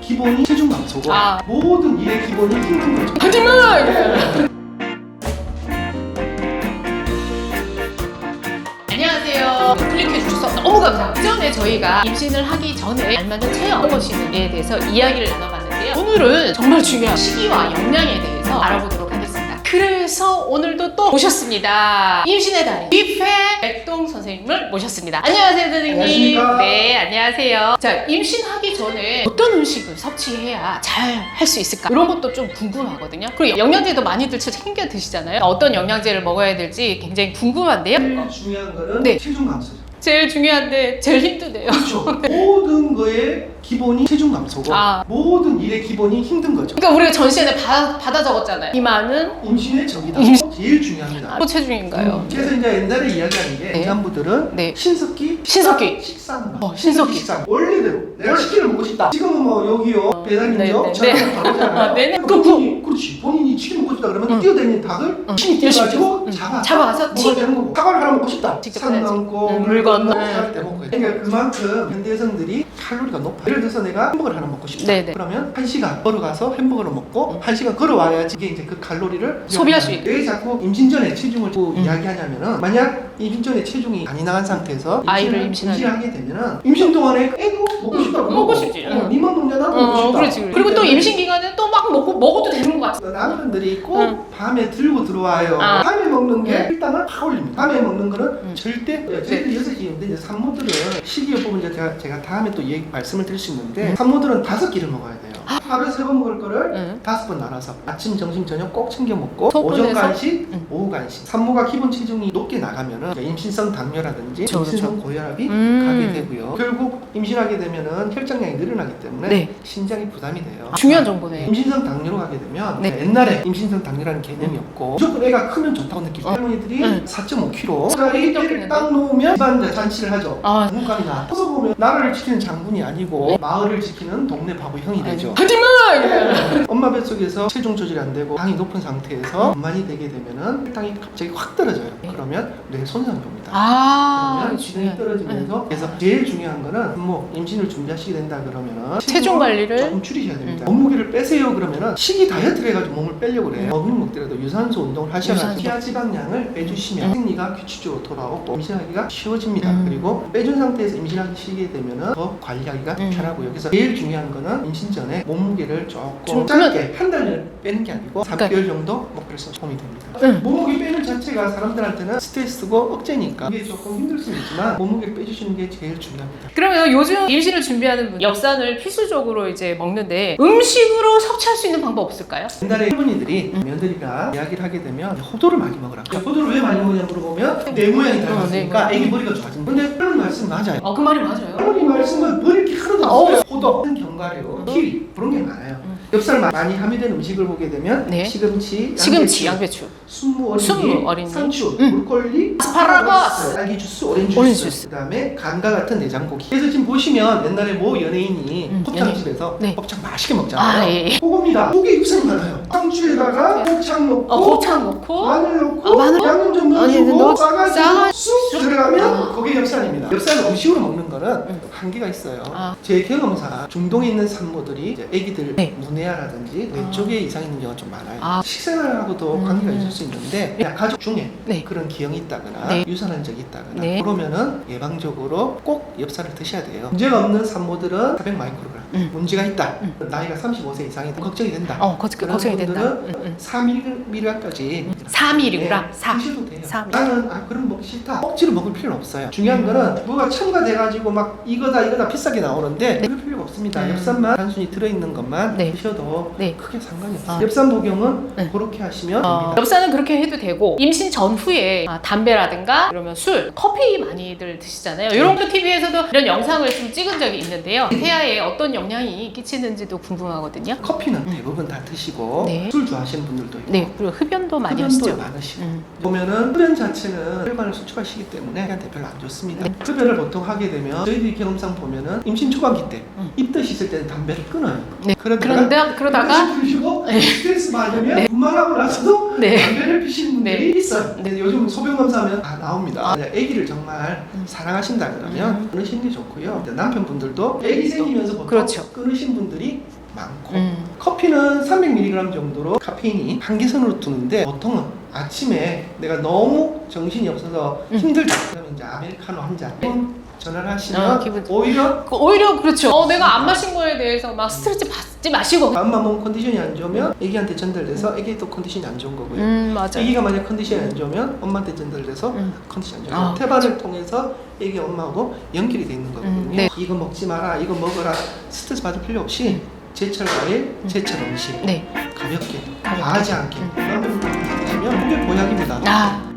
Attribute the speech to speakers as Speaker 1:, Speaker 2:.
Speaker 1: 기본이 체중 감소고
Speaker 2: 아.
Speaker 1: 모든 일의 기본이 힘든 거죠.
Speaker 2: 하지만 안녕하세요. 클릭해 주셔서 너무 감사합니다. 그전에 저희가 임신을 하기 전에 알맞은 체형 무엇인지에 대해서 이야기를 나눠봤는데요. 오늘은 정말 중요한 식이와 영양에 대해서 알아보도록 하겠습니다. 그래서 오늘도 또 모셨습니다. 임신의 달인 뷔페 백동 선생님을 모셨습니다. 안녕하세요, 선생님.
Speaker 1: 안녕하십니까?
Speaker 2: 네, 안녕하세요. 자, 임신하기 전에 어떤 음식을 섭취해야 잘 할 수 있을까? 이런 것도 좀 궁금하거든요. 그리고 영양제도 많이들 챙겨 드시잖아요. 어떤 영양제를 먹어야 될지 굉장히 궁금한데요.
Speaker 1: 제일 중요한 거는
Speaker 2: 네.
Speaker 1: 체중 감소죠.
Speaker 2: 제일 중요한데 제일 힘드네요.
Speaker 1: 그렇죠. 모든 거의 기본이 체중 감소고
Speaker 2: 아.
Speaker 1: 모든 일의 기본이 힘든 거죠.
Speaker 2: 그러니까 우리가 전시회에 받아 적었잖아요. 비만은
Speaker 1: 임신의 적이다. 제일 중요합니다.
Speaker 2: 또 체중인가요?
Speaker 1: 그래서 이제 옛날에 이야기하는 게
Speaker 2: 네.
Speaker 1: 임산부들은
Speaker 2: 네.
Speaker 1: 신석기,
Speaker 2: 신석기.
Speaker 1: 식사는
Speaker 2: 신석기.
Speaker 1: 식사 원래대로 내가 치킨을 먹고 싶다. 지금은 뭐 여기요 배달인죠.
Speaker 2: 네,
Speaker 1: 전화를 바로잖아요.
Speaker 2: 네네.
Speaker 1: 그렇지. 본인이 치킨 먹고 싶다 그러면 뛰어다니는 닭을 신이 뛰어가지고
Speaker 2: 잡아가서
Speaker 1: 먹어야 되는 거고. 사과를 하나 먹고 싶다.
Speaker 2: 직접
Speaker 1: 산
Speaker 2: 해야지.
Speaker 1: 넘고
Speaker 2: 물 건너.
Speaker 1: 살 때 먹고. 그러니까 그만큼 현대 여성들이 칼로리가 높아. 예를 들어서 내가 햄버거를 하나 먹고 싶다.
Speaker 2: 네네.
Speaker 1: 그러면 1시간 걸어가서 햄버거를 먹고 1시간 걸어와야지 이게 이제 그 칼로리를
Speaker 2: 소비할 수 있다.
Speaker 1: 왜 자꾸 임신 전에 체중을 이야기하냐면은 만약 임신 전에 체중이 많이 나간 상태에서
Speaker 2: 아이를
Speaker 1: 임신하게 되면은 임신 동안에 애도 먹고 싶다고
Speaker 2: 먹고 싶지.
Speaker 1: 니만 먹냐 나도 먹고 싶다.
Speaker 2: 그렇지. 그리고 또 임신 기간에 또 막 먹어도 되는 것 같아.
Speaker 1: 남편들이 꼭 밤에 들고 들어와요.
Speaker 2: 아.
Speaker 1: 밤에 먹는 게 일당을 확 올립니다. 밤에 먹는 거는 절대
Speaker 2: 네.
Speaker 1: 저희들이 6시인데 이제 산모들은 식이요법은 이제 제가 다음에 또 말씀을 드릴 수 있는데 산모들은 5끼를 먹어야 돼요. 하루에 3번 먹을 거를 5번 나눠서 아침, 점심, 저녁 꼭 챙겨 먹고
Speaker 2: 소분해서?
Speaker 1: 오전 간식, 오후 간식. 산모가 기본 체중이 높게 나가면은 임신성 당뇨라든지
Speaker 2: 그렇죠,
Speaker 1: 임신성 고혈압이
Speaker 2: 음.
Speaker 1: 가게 되고요. 결국 임신하게 되면은 혈장량이 늘어나기 때문에
Speaker 2: 네.
Speaker 1: 신장이 부담이 돼요.
Speaker 2: 중요한 정보네.
Speaker 1: 임신성 당뇨로 가게 되면
Speaker 2: 네.
Speaker 1: 옛날에 임신성 당뇨라는 개념이 없고 무조건 애가 크면 좋다고 느끼고 할머니들이 4.5kg 애를 딱 놓으면 집안 잔치를 하죠.
Speaker 2: 아.
Speaker 1: 장군감이 나왔다. 커서 보면 나라를 지키는 장군이 아니고 마을을 지키는 동네 바보 형이 되죠.
Speaker 2: 하지만
Speaker 1: 엄마 뱃속에서 체중 조절이 안 되고 당이 높은 상태에서 엄만이 되게 되면은 혈당이 갑자기 확 떨어져요. 그러면 뇌 손상이 옵니다. 그러면 기능이 떨어지면서 그래서 제일 중요한 거는 뭐 임신을 준비하시게 된다 그러면은
Speaker 2: 체중 관리를
Speaker 1: 조금 줄이셔야 됩니다. 몸무게를 빼세요 그러면은 식이 다이어트를 해가지고 몸을 빼려고 그래요. 먹으면 먹더라도 유산소 운동을 하셔야 피하 지방량을 빼주시면 생리가 규칙적으로 돌아오고 임신하기가 쉬워집니다. 그리고 빼준 상태에서 임신하시게 되면은 더 관리하기가 편하고요. 그래서 제일 중요한 거는 임신 전에 몸무게를 조금 짧게 한 달을 빼는 게 아니고 3개월 정도 목표를 서 도움이 됩니다. 몸무게 빼는 자체가 사람들한테는 스트레스고 억제니까 이게 조금 힘들 수 있지만 몸무게를 빼주시는 게 제일 중요합니다.
Speaker 2: 그러면 요즘 임신을 준비하는 분 엽산을 필수적으로 이제 먹는데 음식으로 섭취할 수 있는 방법 없을까요?
Speaker 1: 옛날에 할머니들이 며느리가 이야기를 하게 되면 호두를 많이 먹으라. 호두를 왜 많이 먹냐 물어보면 뇌 모양이 닮았으니까 애기 머리가 좋아진다. 근데 그런 말씀 맞아요.
Speaker 2: 그 말이 맞아요.
Speaker 1: 할머니 말씀은 뭐 이렇게 하나도 없어요. 호두, 견과류, 키위 그런 게 많아요. 엽살 많이 함유된 음식을 보게 되면
Speaker 2: 네.
Speaker 1: 시금치,
Speaker 2: 양배추,
Speaker 1: 순무 어린이, 상추, 브로콜리,
Speaker 2: 아스파라거스,
Speaker 1: 딸기 주스, 오렌지 주스, 그다음에 감과 같은 내장고기. 그래서 지금 보시면 옛날에 모 연예인이 곱창집에서
Speaker 2: 네.
Speaker 1: 곱창 맛있게 먹잖아요.
Speaker 2: 예.
Speaker 1: 그겁니다. 고기 육색이 많아요. 상추에다가 곱창 넣고
Speaker 2: 곱창 넣고
Speaker 1: 마늘 넣고
Speaker 2: 마늘?
Speaker 1: 양념 좀
Speaker 2: 아니,
Speaker 1: 넣어주고
Speaker 2: 싸가지고
Speaker 1: 싸가지고 쑥 들어가면 그게 엽산입니다. 엽산은 음식으로 먹는 거는 한계가 있어요. 제 경험상 중동에 있는 산모들이 이제 애기들 문해아라든지 뇌 쪽에 이상 있는 경우가 좀 많아요. 식생활하고도 관계가 있을 수 있는데 그냥 가족 중에 그런 기형이 있다거나 유산한 적이 있다거나 그러면은 예방적으로 꼭 엽산을 드셔야 돼요. 문제가 없는 산모들은 400 마이크로그램 문제가 있다. 나이가 35세 이상이다. 걱정이 된다.
Speaker 2: 걱정이 된다.
Speaker 1: 4mg까지
Speaker 2: 4mg?
Speaker 1: 드셔도 돼요.
Speaker 2: 4mg.
Speaker 1: 나는 그럼 먹기 싫다. 억지로 먹을 필요는 없어요. 중요한 거는 뭐가 첨가돼가지고 막 이거다 비싸게 나오는데 그럴 필요가 없습니다. 엽산만 단순히 들어있는 것만 드셔도 크게 상관이 없어요. 엽산 복용은 그렇게 하시면 됩니다.
Speaker 2: 엽산은 그렇게 해도 되고 임신 전후에 담배라든가 그러면 술, 커피 많이들 드시잖아요. 이런 거 TV에서도 이런 영상을 좀 찍은 적이 있는데요. 태아에 어떤 영향이 끼치는지도 궁금하거든요.
Speaker 1: 커피는 대부분 다 드시고 술 좋아하시는 분들도 있고
Speaker 2: 그리고 흡연도 많이
Speaker 1: 흡연도
Speaker 2: 하시죠.
Speaker 1: 많으시고 보면은 흡연 자체는 혈관을 수축하시기 때문에 애한테 별로 안 좋습니다. 흡연을 보통 하게 되면 저희들이 경험상 보면은 임신 초반기 때 입덧이 있을 때는 담배를 끊어요.
Speaker 2: 그러다가
Speaker 1: 피시고 스트레스 받으면 분만하고 나서도 담배를 피시는 분들이 있어요. 근데 요즘 소변 검사하면 다 나옵니다. 아기를 정말 사랑하신다 그러면 끊으시는 게 좋고요. 남편분들도 아기 생기면서 보통 끊으신 분들이 많고 커피는 300mg 정도로 카페인이 한계선으로 두는데 보통은 아침에 내가 너무 정신이 없어서 힘들다 그러면 이제 아메리카노 한 잔 전화를 하시면
Speaker 2: 기분
Speaker 1: 오히려
Speaker 2: 그렇죠. 내가 안 마신 거에 대해서 막 스트레스 받지 마시고.
Speaker 1: 엄마 몸 컨디션이 안 좋으면 애기한테 전달돼서 애기도 컨디션이 안 좋은 거고요.
Speaker 2: 맞아.
Speaker 1: 애기가 만약 컨디션이 안 좋으면 엄마한테 전달돼서 컨디션이 안 좋은 거예요.
Speaker 2: 아,
Speaker 1: 태반을 통해서 애기 엄마하고 연결이 돼 있는 거거든요.
Speaker 2: 네.
Speaker 1: 이거 먹지 마라, 이거 먹어라 스트레스 받을 필요 없이 제철 과일, 제철 음식
Speaker 2: 네.
Speaker 1: 가볍게 과하지 않게 드시면 그게 보약입니다.